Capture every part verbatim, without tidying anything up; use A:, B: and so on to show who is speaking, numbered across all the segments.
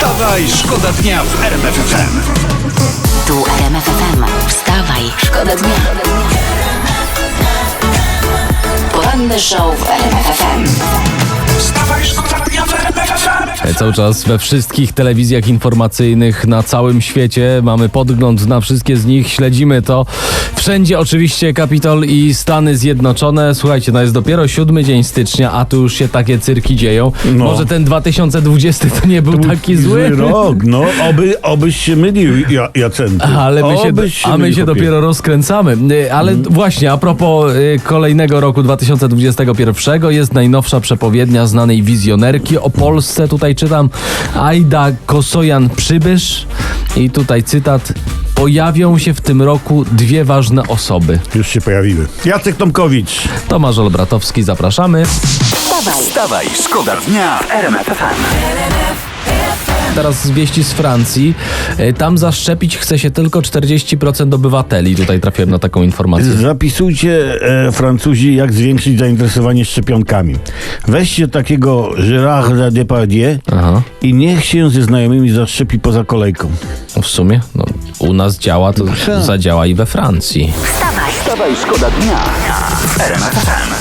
A: Wstawaj, szkoda dnia w R M F F M.
B: Tu R M F F M. Wstawaj, szkoda dnia. Poranny show w R M F F M.
A: Wstawaj, szkoda dnia w R M F F M.
C: Cały czas we wszystkich telewizjach informacyjnych na całym świecie mamy podgląd na wszystkie z nich, śledzimy to. Wszędzie oczywiście Kapitol i Stany Zjednoczone. Słuchajcie, no jest dopiero siódmy dzień stycznia, a tu już się takie cyrki dzieją.
D: No.
C: Może ten dwa tysiące dwudziesty to nie był taki zły.
D: rok, no, oby, obyś się mylił, ja, Jacenty.
C: Ale my się,
D: Obyś się
C: a my
D: mylił,
C: się
D: chłopie.
C: dopiero rozkręcamy. Y, Ale
D: Mhm.
C: właśnie, a propos y, kolejnego roku dwa tysiące dwudziestego pierwszego jest najnowsza przepowiednia znanej wizjonerki o Polsce. Tutaj czytam Ajda Kosojan-Przybysz i tutaj cytat: pojawią się w tym roku dwie ważne osoby.
D: Już się pojawiły. Jacek Tomkowicz.
C: Tomasz Olbratowski, zapraszamy.
B: Wstawaj,
A: Wstawaj, szkoda dnia w R M F F M.
C: Teraz z wieści z Francji. Y, Tam zaszczepić chce się tylko czterdzieści procent obywateli. Tutaj trafiłem na taką informację.
D: Zapisujcie, e, Francuzi, jak zwiększyć zainteresowanie szczepionkami. Weźcie takiego Gérarda Depardieu
C: Aha.
D: i niech się ze znajomymi zaszczepi poza kolejką.
C: No w sumie, no, u nas działa, to
D: tak.
C: zadziała i we Francji.
B: wstawaj,
A: Wstawaj, szkoda dnia w R M F F M.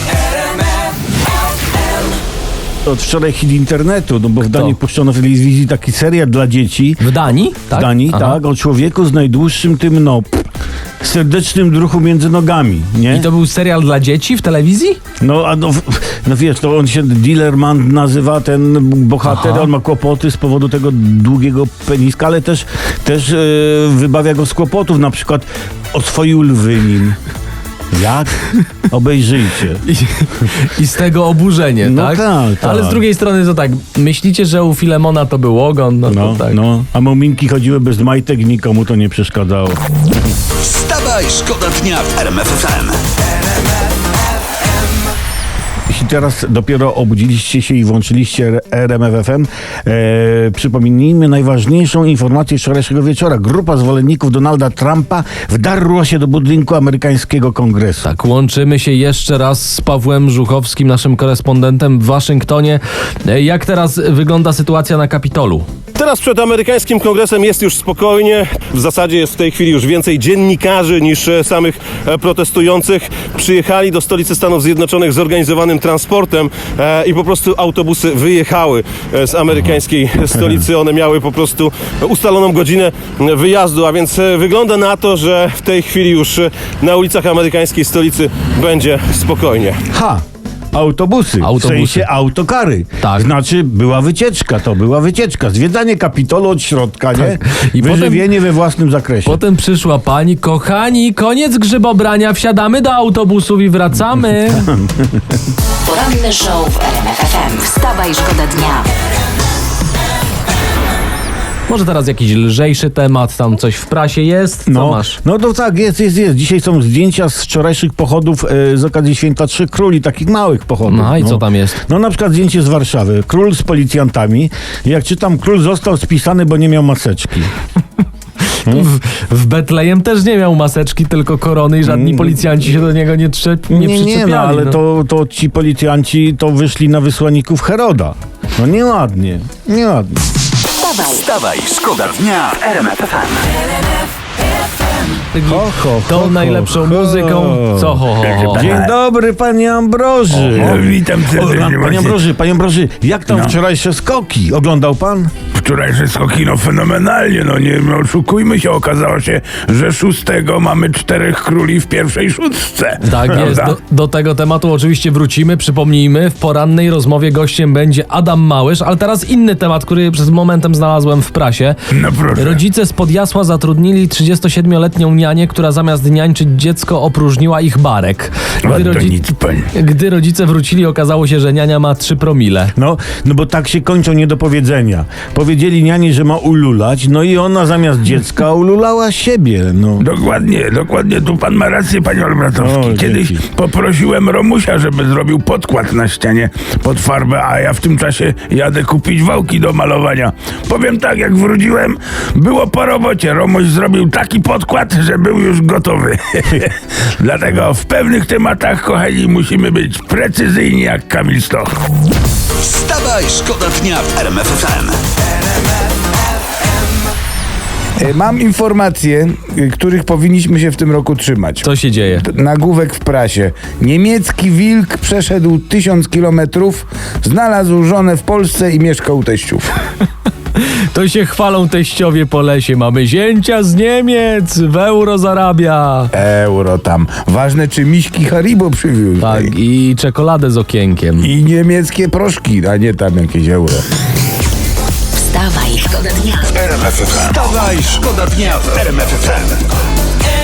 D: Od wczoraj hit internetu, no bo w Danii puszczono w telewizji taki serial dla dzieci.
C: W Danii?
D: W Danii,
C: Aha.
D: tak, o człowieku z najdłuższym tym, no, pff, serdecznym druchu między nogami, nie?
C: I to był serial dla dzieci w telewizji?
D: No, a no, no wiesz, to on się Dealerman nazywa, ten bohater,
C: Aha.
D: on ma kłopoty z powodu tego długiego peniska, ale też, też e, wybawia go z kłopotów, na przykład oswoił lwy nim. Jak? Obejrzyjcie.
C: I, I z tego oburzenie,
D: No
C: tak?
D: tak, tak.
C: Ale z drugiej strony to tak, myślicie, że u Filemona to był ogon? No,
D: No,
C: to tak.
D: no, a muminki chodziły bez majtek i nikomu to nie przeszkadzało.
A: Wstawaj, szkoda dnia w R M F F M.
D: Jeśli teraz dopiero obudziliście się i włączyliście R M F F M, e, przypomnijmy najważniejszą informację wczorajszego wieczora. Grupa zwolenników Donalda Trumpa wdarła się do budynku amerykańskiego kongresu.
C: Tak, łączymy się jeszcze raz z Pawłem Żuchowskim, naszym korespondentem w Waszyngtonie. E, Jak teraz wygląda sytuacja na Kapitolu?
E: Teraz przed amerykańskim kongresem jest już spokojnie. W zasadzie jest w tej chwili już więcej dziennikarzy niż e, samych e, protestujących. Przyjechali do stolicy Stanów Zjednoczonych zorganizowanym transportem e, i po prostu autobusy wyjechały e, z amerykańskiej stolicy. One miały po prostu ustaloną godzinę wyjazdu, a więc e, wygląda na to, że w tej chwili już e, na ulicach amerykańskiej stolicy będzie spokojnie.
D: Ha! Autobusy,
C: Autobusy.
D: w sensie autokary.
C: Tak.
D: Znaczy była wycieczka, to była wycieczka. Zwiedzanie Kapitolu od środka, nie?
C: I
D: Wyżywienie we własnym zakresie.
C: Potem przyszła pani: kochani, koniec grzybobrania, wsiadamy do autobusów i wracamy.
B: poranny show w R M F F M. Wstawaj, szkoda dnia.
C: Może teraz jakiś lżejszy temat, tam coś w prasie jest? Co
D: No,
C: masz?
D: no to tak, jest, jest, jest. Dzisiaj są zdjęcia z wczorajszych pochodów e, z okazji Święta Trzech Króli, takich małych pochodów.
C: No i co tam jest?
D: No na przykład zdjęcie z Warszawy. Król z policjantami. Jak czytam, król został spisany, bo nie miał maseczki.
C: W, w Betlejem też nie miał maseczki, tylko korony i żadni policjanci się do niego nie, trzep, nie,
D: Nie, nie,
C: przyczepiali.
D: no, ale
C: no.
D: To, to ci policjanci to wyszli na wysłanników Heroda. No nieładnie, nieładnie.
B: Wstawaj,
A: Wstawaj, szkoda dnia w R M F F M.
D: Ho, ho,
C: Tą
D: ho,
C: najlepszą
D: ho.
C: muzyką. Co ho, ho, ho.
D: Dzień dobry, panie Ambroży.
F: O, witam serdecznie,
D: O, Panie
F: właśnie.
D: Ambroży, panie Ambroży, jak tam
F: No.
D: wczorajsze skoki? Oglądał pan?
F: Wczorajsze skoki, no fenomenalnie, no nie no, oszukujmy się, okazało się, że szóstego mamy czterech króli w pierwszej szóstce.
C: Tak jest,
F: Prawda?
C: do, do tego tematu oczywiście wrócimy, przypomnijmy, w porannej rozmowie gościem będzie Adam Małysz, ale teraz inny temat, który przez momentem znalazłem w prasie.
F: No proszę.
C: Rodzice z Podjasła zatrudnili trzydziestosiedmioletnią nianię, która zamiast niańczyć dziecko opróżniła ich barek.
F: O,
C: Gdy,
F: to
C: rodzi-
F: nic, pani.
C: Gdy rodzice wrócili, okazało się, że niania ma trzy promile.
D: No, no bo tak się kończą niedopowiedzenia. Powiedzieli niani, że ma ululać, no i ona zamiast dziecka ululała siebie, no.
F: Dokładnie, dokładnie, tu pan ma rację, panie Olbratowski.
D: O,
F: Kiedyś
D: dzięki.
F: poprosiłem Romusia, żeby zrobił podkład na ścianie pod farbę, a ja w tym czasie jadę kupić wałki do malowania. Powiem tak, jak wróciłem, było po robocie. Romuś zrobił taki podkład, że był już gotowy. Dlatego w pewnych tematach, kochani, musimy być precyzyjni jak Kamil Stoch.
A: Wstawaj, szkoda dnia w R M F F M.
F: E, Mam informacje, y, których powinniśmy się w tym roku trzymać.
C: Co się dzieje?
F: Nagłówek w prasie. Niemiecki wilk przeszedł tysiąc kilometrów, znalazł żonę w Polsce i mieszka u teściów.
C: To się chwalą teściowie po lesie. Mamy zięcia z Niemiec, w euro zarabia.
F: Euro tam. Ważne, czy miśki Haribo przywiózł.
C: Tak, i czekoladę z okienkiem.
F: I niemieckie proszki, a nie tam jakieś euro.
B: Wstawaj, szkoda dnia.
A: Wstawaj, szkoda dnia w R M F F M.